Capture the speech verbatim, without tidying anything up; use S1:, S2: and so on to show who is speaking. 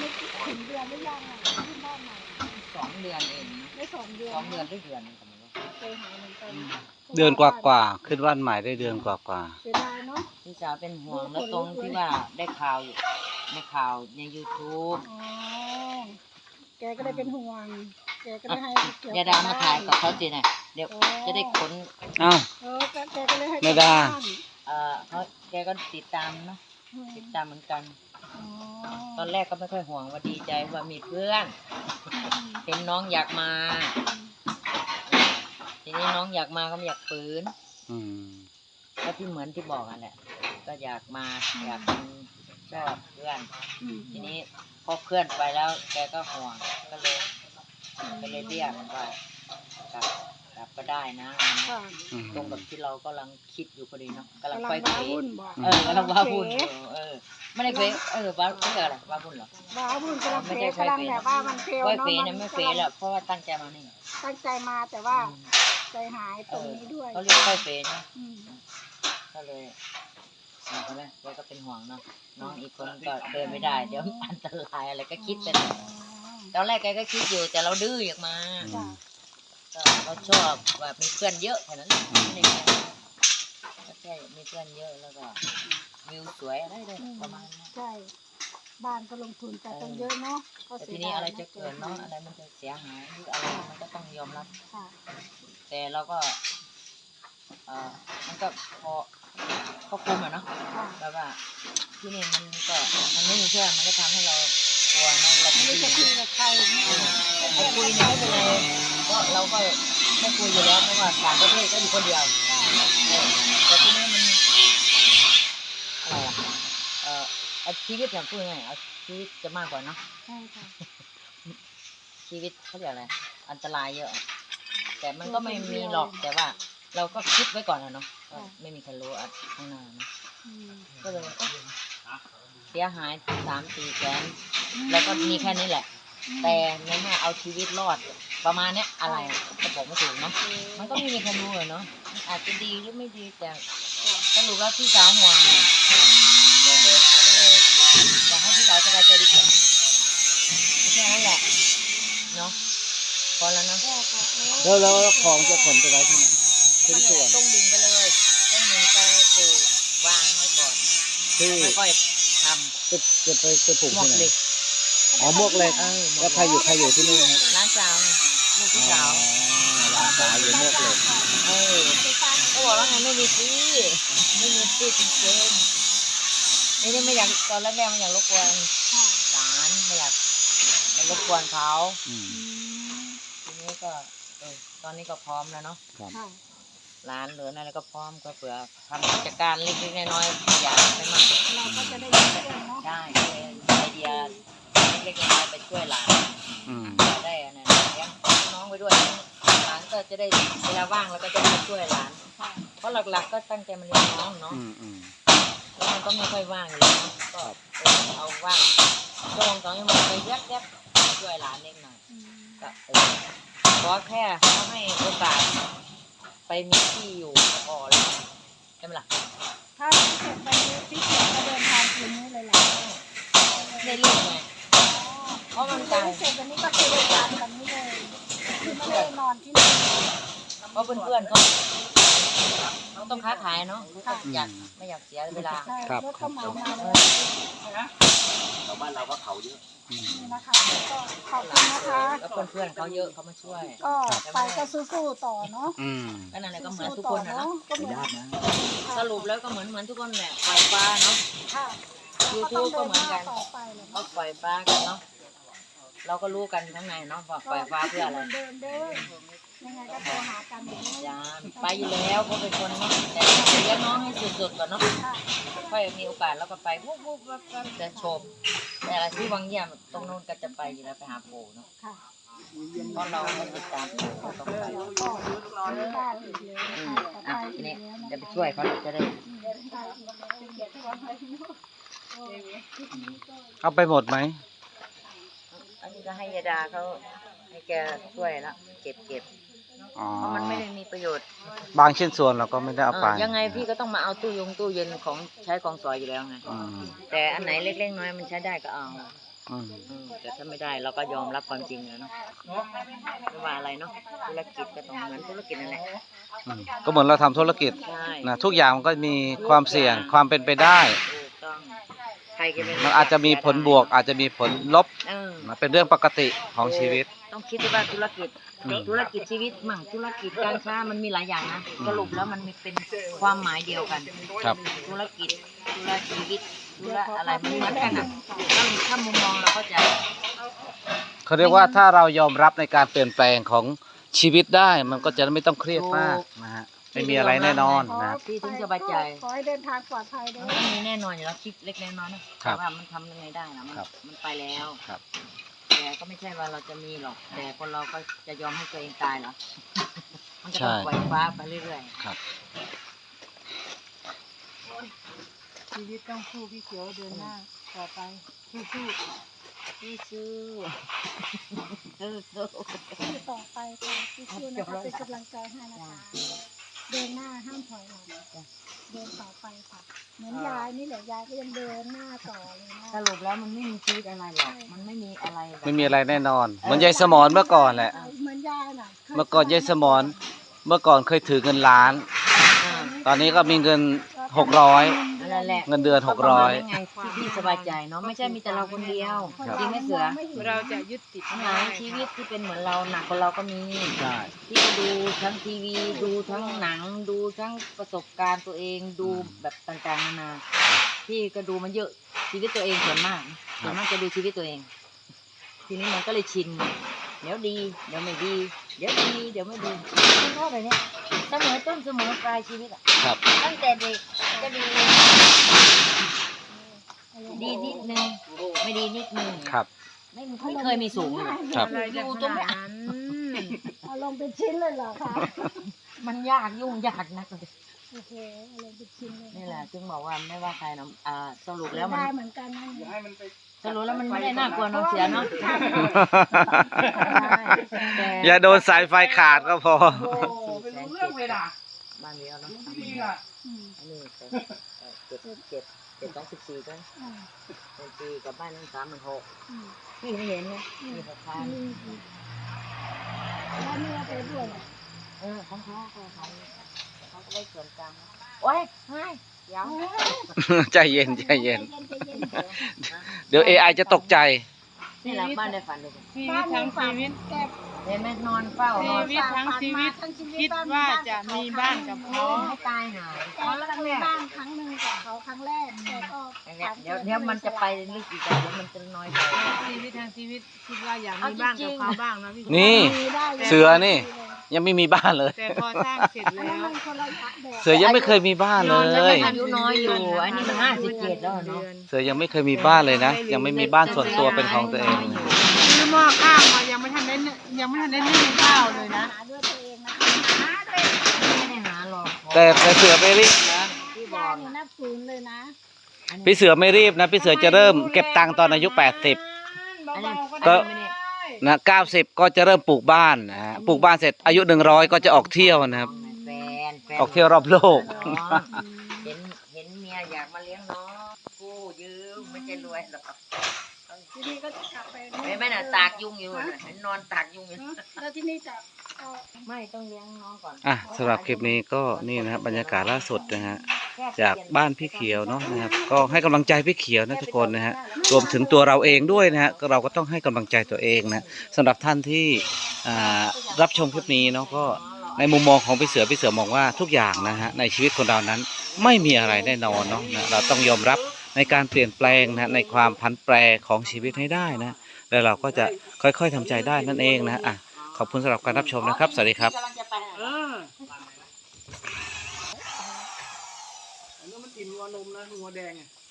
S1: ไม่ถึงเดือนหรือยังอ่ะขึ้นบ้านใหม่
S2: สองเดือนเอง
S1: ไม่สองเดือน
S2: สองเดือนหรือเดือนนึงก็ไม่รู้
S1: เคยหายเหมือนกัน
S3: เดือนกว่าๆขึ้นบ้านใหม่ได้เดือนกว่า
S1: ๆเสียดายเนาะ
S2: พี่สาวเป็นห่วงแล้วตรงที่ว่าได้ข่าวอยู่ในข่าวใน ยูทูบ
S1: อ๋อแกก็ได้เป็นห่วงแกก็ได้ให้เกี่ยว
S2: อย่าดามาถ่ายกับเขาสิเนี่ยเดี๋ยวจะได้ขน
S3: ๆอ้าว
S1: เออแกก็เลยให้
S3: ไม่ได้
S2: เอ่อเขาแกก็ติดตามเนาะติดตามเหมือนกัน
S1: อ๋อ
S2: ตอนแรกก็ไม่ค่อยห่วงว่าดีใจว่ามีเพื่อนเห็นน้องอยากมาทีนี้น้องอยากมาก็ไม่อยากฝืน
S3: อืม
S2: ก็ที่เหมือนที่บอกอ่ะแหละ ก็อยากมาอยากเป็นชอบเพื่อน
S1: อืม
S2: ทีนี้พอเพื่อนไปแล้ว แกก็ห่วงก็เลยก็เลยเรียกว่ากลับกลับก็ได้นะ
S1: ค่ะ
S3: อืม
S2: ตรงกับที่เรากำลังคิดอยู่พอดีเนาะกำลัง
S1: กำลัง
S2: ไฟ
S1: ว้า
S2: เขว
S1: วุ่นบอก
S2: เออกำลังว้าวุ่นอยู่เออไม่ได้เขวเออว้าเรียกอะไรว้าวุ่นเหรอ
S1: ว้าวุ่นกำลัง
S2: ไม่
S1: เฟ
S2: ใช่
S1: กำลังแบบว่ามันเฟล
S2: ไฟ
S1: เนาะ
S2: เขวเนี่ยไม่เขวหรอกเพราะว่าตั้งใจมานี่
S1: ตั้งใจมาแต่ว่าใจหายตรงนี้ด้วย
S2: เขาเรียกไฟเขวนะ
S1: อืม
S2: ก็เลยเห็นไหมแกก็เป็นห่วงเนาะน้องอีกคนก็เดินไม่ได้เดี๋ยวอันตรายอะไรก็คิดไปเลยตอนแรกแกก็คิดอยู่แต่เราดื้ออยากมา
S1: จ้ะ
S2: ก็เราชอบแบบมีเพื่อนเยอะแค่นั้นไม่ได้แค่ก็แค่มีเพื่อนเยอะแล้วก็วิวสวยอะไรได้ประมาณนั้น
S1: ใช่บ้านก็ลงทุนแต่ต้องเยอะเนาะก็
S2: แต่
S1: เสี
S2: ที
S1: ย
S2: นี้
S1: ดาย
S2: อะไรจะเกิดเนาะอะไรมันจะเสียหายหรืออะไรมันก็ต้องยอมรับ
S1: ค่ะ
S2: แต่เราก็เออมันก็พอก็คุ้มอะเนาะ
S1: ค่ะ
S2: แบบว่าที่นี่มันก็มันไม่มีเพื่อนมันก็ทำให้เรากลัวเนาะเรา
S1: ไม่
S2: ไม่
S1: รู้
S2: ได้
S1: จะ
S2: ยิน
S1: คุยกับใครเนี่ย
S2: ไอ้คุยเนี่ยไม่เป็นไรก็เราก็ไม่คุยอยู่แล้วเพราะว่าต่างประเทศก็อยู่คนเดียวเออแต่ที่นี่มันอะไรอะเออเอาชีวิตอย่างพูดง่ายๆเอาชีวิตจะมากกว่าเนาะ
S1: ใช่ค่ะ
S2: ชีวิตเขาเรียกอะไรอันตรายเยอะ แต่มันก็ไม่มีหรอกแต่ว่า เราก็คิดไว้ก่อนนะเนาะว่าไม่มีใครรู้อ่ะข้างหน้าเนาะ
S1: อืม
S2: ก็เลยเอ๊ะเสียหายสามสี่แสนแล้วก็มีแค่นี้แหละ แต่ในเมื่อเอาชีวิตรอดประมาณเนี้ยอะไรอะจะบอกไม่ถูกเนาะมันก็ไม่มีใครรู้เลยเนาะอาจจะดีหรือไม่ดีแต่สรุปแล้วพี่สาวห่วงก็เลยอยากให้พี่สาวสบายใจดีกว่าแค่นั้นแหละเนาะพอแล้วเนาะ
S1: ก็ก็เออ
S3: แล้วแล้วของจะขนไปไว้ที่ไหนชิ้นส่วน
S2: ต้องดึงไปเลยต้องดึงไปปลูกวางไว้ก่อน
S3: ที่
S2: ค่อยๆท
S3: จะจะไปไปปลูก
S2: ำหมว
S3: ที่
S2: ก
S3: ไหน
S2: เหล็ก
S3: อ๋อหมวกเหล็ก
S2: เออหมว
S3: แล้ว
S2: ก
S3: ใครอยู่ใครอยู่ที่นู่นฮะ
S2: ร้านสาวลูกพี่สาว
S3: ร้านสาวอยู่หมวกเหล็ก
S2: เออเขาบอกว่าไงไม่มีที่ไม่มีที่จริงๆนี่นี่ไม่อยากตอนแรกๆไม่อยากรบกวน
S1: ค่ะ
S2: หลานไม่อยากไม่รบกวนเขา
S3: อืม
S1: อืม
S2: ทีนี้ก็เออตอนนี้ก็พร้อมแล้วเนาะ
S3: ครับ
S1: ค่ะ
S2: หลานเหลืออะไรก็พร้อมก็เผื่อทำกิจการเล็กๆน้อยๆอยากไปมั่ง
S1: เราก็จะได้ยินเรื่องเนาะ
S2: ได้ไอเดียเล็กๆน้อยๆไปช่วยหลาน
S3: อืม
S2: จะได้อันนั้นเลี้ยงน้องไปด้วยหลานก็จะได้เวลาว่างเราก็จะไปช่วยหลาน
S1: ค่ะ
S2: เพราะหลักๆก็ตั้งใจมาเลี้ยงน้องเนาะ
S3: อืมอืม
S2: แล้วมันก็ไม่ค่อยว่างอยู่แล้วก็เออเอาว่างช่วงสองชั่วโมงไปแยบๆช่วยหลานเล็กหน่อย
S1: อืม
S2: ก็เออขอแค่เขาให้โอกาสไปมีที่อยู่ก็พอแล้วใช่ไหมล่ะ
S1: ถ้าพี่เสร็จไปนี้พี่เสร็จก็เดินทางคืนนี้เลยแหละ
S2: ได้ลูกไงเพราะมันไกล
S1: พี่เสร็จวันนี้ก็คือเดินทางแบบนี้เลยคือไม่ได้นอนที่นี่
S2: เพราะเพื่อนๆเขาเขาต้องค้าขายเนาะเขาก็อยากไม่อยากเสียเวลา
S1: ใช่รถก็เหมามาเลย
S4: ชาวบ้านเราก็เขาเยอะ
S3: อืม
S1: นี่นะคะก็ขอบคุณนะคะ
S2: แล้วเพื่อนๆเขาเยอะเขามาช่วย
S1: ก็ไปก็สู้ๆต่อเนาะ
S3: อืม
S2: ก็นั่นแหละก็เหมือน
S1: สู้
S2: ทุก
S1: ๆต่
S2: ค
S1: อน
S2: นะ
S1: เนาะ
S2: เนาะ
S1: ก็เหมือน
S4: ญาตินะ
S2: สรุปแล้วก็เหมือนเหมือนทุกคนแหละปล่อยปลาเนาะ
S1: ค่ะ
S2: ยู
S1: ก็
S2: ทู
S1: ต้อบ ง
S2: ก็
S1: เดิน
S2: เหมือนกัน
S1: หน้าต่อไปเลย
S2: ก็
S1: เนาะ
S2: ปล่อยปลากันเนาะเราก็รู้กันข้างในเนาะว่าปล่อยปลาเพื่ออะไร
S1: เดินเดินยังไงก็โทรหากันอย่างนี้
S2: ยามไปอยู่แล้วก็เป็นคนเนาะแต่เลี้ยงน้องให้สุดๆก่อนเนาะ
S1: ค่ะ
S2: ค่อยมีโอกาสแล้วก็ไปวุบวุบวับวับจะชมแต่อะไรที่วังเยี่ยมตรงโน้นก็จะไปอยู่แล้วไปหาปู่เนาะ
S1: ค่ะ
S2: เพราะเราก็ติดตามปู่ก็ต้องไป
S1: แล้วก็ซื้อบ้านอีกแล้ว
S2: อื
S1: นะ
S2: ม
S1: คะ
S2: อ่ะ
S1: ไป
S2: ที
S1: อี
S2: นี้
S1: กแล้วนะ
S2: จะไป
S1: คะ
S2: ช่วยเขาจะได้
S3: เอาไปหมดไหม
S2: อันนี้ก็ให้ยาดาเขาให้แกช่วยละเก็บเก็บ
S3: อ๋อ
S2: เพราะมันไม่ได้มีประโยชน์
S3: บางชิ้นส่วนเราก็ไม่ได้เอาไป
S2: เออยังไงพี่ก็ต้องมาเอาตู้ยงตู้เย็นของใช้ของสอยอยู่แล้วไง
S3: อืม
S2: แต่อันไหนเล็กๆน้อยๆมันใช้ได้ก็เอา
S3: อืม
S2: อืมแต่ถ้าไม่ได้เราก็ยอมรับความจริงแล้วเนาะไม่ว่าอะไรเนาะธุรกิจก็ต้องเหมือนธุรกิจนั่นแหละ
S3: อืมก็เหมือนเราทำธุรกิจ
S2: ใช่
S3: นะทุกอย่างมันก็มีความเสี่ยงความเป็นไปได้
S2: ถูกต้องใครจะไป
S3: มันอาจจะมีผลบวก อาจจะมีผลลบ
S2: เออ
S3: นะเป็นเรื่องปกติของชีวิต
S2: ต้องคิดด้วยว่าธุรกิจ
S3: อืม
S2: ธุรกิจชีวิตมั่งธุรกิจการค้ามันมีหลายอย่างนะ
S3: อืม
S2: สรุปแล้วมันมีเป็นความหมายเดียวกัน
S3: ครับ
S2: ธุรกิจธุรชีวิตธุระอะไรมันเหมือนกันอ่ะถ้าถ้ามุมมองเราก็จะ
S3: เขาเรียกว่าถ้าเรายอมรับในการเปลี่ยนแปลงของชีวิตได้ มันก็จะไม่ต้องเครียดมากนะฮะไม่มีอะไรแน่นอนนะครับ
S2: ที่ถึงสบายใจ
S1: ขอให้เดินทางปลอดภัยด้ว
S2: มัน
S1: ย
S2: ก็มีแน่นอนอยู่แล้วคิดเล็กๆน้อยๆนะครับ แต่ว่ามันทำยังไงได้นะมัน
S3: ครับ
S2: มันไปแล้ว
S3: ครับ
S2: แต่ก็ไม่ใช่ว่าเราจะมีหรอก แต่คนเราก็จะยอมให้ตัวเองตายเหรอ มันก็
S3: ใช่
S2: ต้องปล่อยฟ้าไปเรื่อย
S3: ครับ
S1: ชีวิตต้องสู้พี่เขียวเดินหน้าต่อไปสู้
S2: ๆพี่ซื้อซื้อซื้อ
S1: ๆสู้ต่อไปค่ะสู้ๆนะคะเป็นกำลังใจให้นะคะ เดินหน้าห้ามถอยหลังเดินต่อไปค่ะ เหมือนยายนี่แหละยายก็ยังเดินหน้าต่อเลยนะ
S2: สรุปแล้วมันไม่มีชีวิตอะไรหรอก มันไม่มีอะไรแบบ
S3: ไม่มีอะไรแน่นอนเหมือนยายสมรเมื่อก่อนแหละ
S1: เหมือนยายน่ะ
S3: เมื่อก่อนยายสมรเมื่อก่อนเคยถือเงินล้าน
S2: อ่า
S3: ตอนนี้ก็มีเงินหกร้อย
S2: นั่นแหละ
S3: เงินเดือนหกร้อย
S2: ก็ประมาณนั้นไงที่พี่สบายใจเนาะ ไม่ใช่มีแต่เราคนเดียว จริงไหมเสือ
S1: เราจะยึดติด
S2: ปัญหาชีวิตที่เป็นเหมือนเราหนักกว่าเราก็มี
S3: ใช่
S2: ที่ดูทั้งทีวีดูทั้งหนัง ดูทั้งประสบการณ์ตัวเองดูแบบต่างๆนานาพี่ก็ดูมันเยอะชีวิตตัวเองส่วนมากส่วนมากจะดูชีวิตตัวเอง ทีนี้มันก็เลยชินเดี๋ยวดีเดี๋ยวไม่ดี เดี๋ยวดีเดี๋ยวไม่ดีมันก็แบบเนี้ยเสมอต้นเสมอปลายชีวิตอ่ะ
S3: ครับ
S2: ตั้งแต่เด็กก็ดีดีนิดนึงไม่ดีนิดนึง
S3: ครับ
S2: ไม่ไม่เคยมีสูงเลย
S3: ครับ
S2: อยู่ตรงเนี้ย
S1: เอาลงเป็นชิ้นเลยเหรอคะ
S2: มันยากยุ่งยากนักเลย
S1: โอเคเอาลงเป็นชิ้นเลย
S2: นี่แหละจึงบอกว่าไม่ว่าใครนะอ่าสรุปแล้วมัน
S1: ได้เหมือนกันนะ
S2: สรุปแล้วมันไม่ได้น่ากลัวเนอะเสียเนาะแต่
S3: อย่าโดนสายไฟขาดก็พอ
S2: เป็นเรื่องเลยนะบ้านเดียวเนาะ
S1: อืม
S2: อันนี้เจ็ดเจ็ดเจ็ดเจ็ดสองสิบสี่ก็
S1: อ่า
S2: เป็นปีกับบ้านนึงสามหมื่นหก
S1: อืม
S2: พี่ไม่เห็นเลยมีหกพัน
S1: อืมอืมแล้วนี่เอาไปด้วยเหรอ
S2: เออของเขาเขาเขาเขาก็ได้ส่วนกลางโอ้ยเฮ้ยเดี๋ยว
S3: ใจเย็นใจเย็น
S1: ใจเย็น
S3: เดี๋ยว เอ ไอ จะตกใจ
S2: นี่แหละบ้านได้ฝันเลย
S5: ชีวิตทั้งชีวิต
S1: แก
S2: เห็นไหมนอนเฝ้านอน
S5: ชีวิตทั้งชีวิตคิดว่าจะมีบ้านกับเขา
S2: ให้ตายหา
S1: แกก็เคยบ้านครั้งหนึ่งกับเขาครั้งแรกแต่ก็
S2: เดี๋ยวเดี๋ยวมันจะไปลึกอีกแล้วเดี๋ยวมันจะน้อยไป
S5: ชีวิตทั้งชีวิตคิดว่าอยากมีบ้านกับเขาบ้างนะพี่
S3: นี่
S1: มีได้ลย
S3: เสือนี่ ยังไม่มีบ้านเลย
S5: แต่พอสร้างเสร็จ
S1: อัน
S5: แล้
S1: นั้น
S5: ว
S1: มันคนละแบบ
S3: เสือยังไม่เคยมีบ้านเล
S2: แล้ว
S3: ย
S2: อายุน้อยอยู่อันนี้มันห้าสิบเจ็ดแล้วเนาะ
S3: เสือยังไม่เคยมีบ้านเลยนะ ยังไม่มีบ้านส่วนตัวเป็นของตัวเอง
S5: ซื้อหม้อข้าวมายังไม่ทันได้ยังไม่ทันได้นึ่งข้าวเลยนะ
S1: หาด้วยตัวเองนะคะหาด้วย
S2: ไม่ได้หาหรอก
S3: แต่แต่เสือไม่รีบนะ
S2: ที่บ
S1: ยา
S2: อย ก
S1: นี่นับศูนย์เลยนะ
S3: พี่เสือไม่รีบนะ พี่เสือจะเริ่มเก็บตังค์ตอนอายุแปดสิบ
S2: อันนี้
S3: ก็
S2: ไม่ได้
S3: นะเก้าสิบก็จะเริ่มปลูกบ้านนะฮะปลูกบ้านเสร็จอายุหนึ่งร้อยก็จะออกเที่ยวนะครับ
S2: แฟนแฟน
S3: ออกเที่ยวรอบโลก
S2: เห็นเห็นเมียอยากมาเลี้ยงน้องกู้ยืมไม่ใช่รวยหรอก
S1: ทีนี้ก็จะกลับไป
S2: ไม่ไม่น่ะตากยุงอยู่น่ะเห็นนอนตากยุงอยู่
S1: แล้วที่นี่จะเอา
S2: ไม่ต้องเลี้ยงน้องก่อน
S3: อ่ะสำหรับคลิปนี้ก็นี่นะครับบรรยากาศล่าสุดนะฮะจากบ้านพี่เขียวเนาะนะครับ ก็ให้กำลังใจพี่เขียวนะทุกคนนะฮะรวมถึงตัวเราเองด้วยนะฮะก็เราก็ต้องให้กำลังใจตัวเองนะสำหรับท่านที่อ่ารับชมคลิปนี้เนาะก็ในมุมมองของพี่เสือพี่เสือมองว่าทุกอย่างนะฮะในชีวิตคนเรานั้นไม่มีอะไรแน่นอนเนาะนะเราต้องยอมรับในการเปลี่ยนแปลงนะในความผันแปรของชีวิตให้ได้นะแล้วเราก็จะค่อยๆทำใจได้นั่นเองนะอ่ะขอบคุณสำหรับการรับชมนะครับสวัสดีครับ
S2: กำลังจะไปหา
S5: เอออันนี้มันอิ่มงัวนมนะงัวแดงอ่ะ